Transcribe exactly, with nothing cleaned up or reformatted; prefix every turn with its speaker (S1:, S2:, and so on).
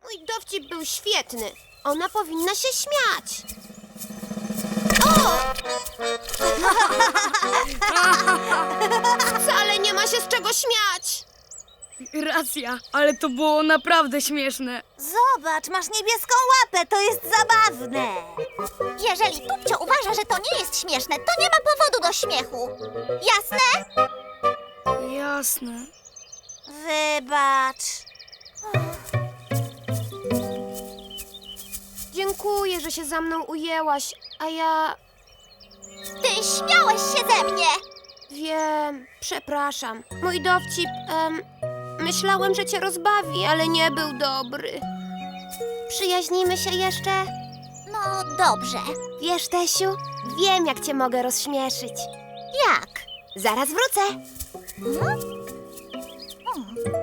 S1: Twój dowcip był świetny. Ona powinna się śmiać. O! Wcale nie ma się z czego śmiać.
S2: Racja, ale to było naprawdę śmieszne.
S3: Zobacz, masz niebieską łapę, to jest zabawne. Jeżeli Tupcio uważa, że to nie jest śmieszne, to nie ma powodu do śmiechu. Jasne?
S2: Jasne.
S3: Wybacz.
S1: Dziękuję, że się za mną ujęłaś, a ja
S3: Ty śmiałeś się ze mnie.
S1: wiem, przepraszam. Mój dowcip, em, myślałem, że cię rozbawi, ale nie był dobry. Przyjaźnimy się jeszcze?
S3: No dobrze.
S1: Wiesz, Tesiu, wiem, jak cię mogę rozśmieszyć.
S3: Jak?
S1: Zaraz wrócę.
S3: Hmm? Hmm.